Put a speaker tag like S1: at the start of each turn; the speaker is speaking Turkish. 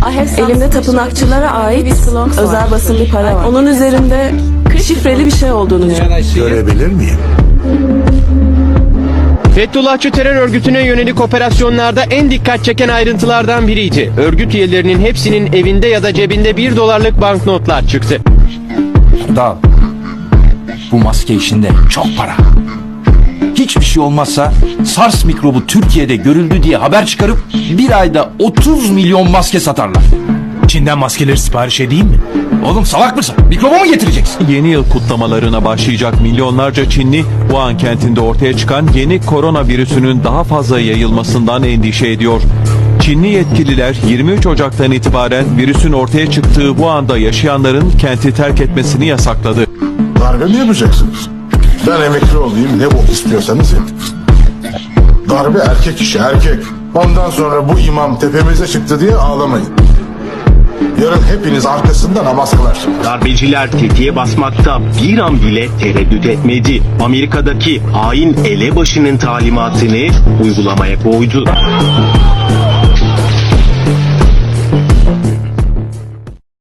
S1: Elimde tapınakçılara ait özel basın bir para var. Onun üzerinde şifreli bir şey olduğunu düşünüyorum.
S2: Görebilir miyim?
S3: Fethullahçı terör örgütüne yönelik operasyonlarda en dikkat çeken ayrıntılardan biriydi. Örgüt üyelerinin hepsinin evinde ya da cebinde $1 banknotlar çıktı.
S4: Dal. Bu maske işinde çok para. Hiçbir şey olmazsa SARS mikrobu Türkiye'de görüldü diye haber çıkarıp bir ayda 30 milyon maske satarlar.
S5: Çin'den maskeleri sipariş edeyim mi?
S4: Oğlum salak mısın? Mikrobu mu getireceksin?
S6: Yeni yıl kutlamalarına başlayacak milyonlarca Çinli, Wuhan kentinde ortaya çıkan yeni koronavirüsünün daha fazla yayılmasından endişe ediyor. Çinli yetkililer 23 Ocak'tan itibaren virüsün ortaya çıktığı Wuhan'da yaşayanların kenti terk etmesini yasakladı.
S2: Darbe mi yapacaksınız? Ben emekli olayım, ne bok istiyorsanız yapın. Darbe erkek işi, erkek. Ondan sonra bu imam tepemize çıktı diye ağlamayın. Yarın hepiniz arkasında namaz kılarsınız.
S7: Darbeciler tetiğe basmakta bir an bile tereddüt etmedi. Amerika'daki hain elebaşının talimatını uygulamaya koydu.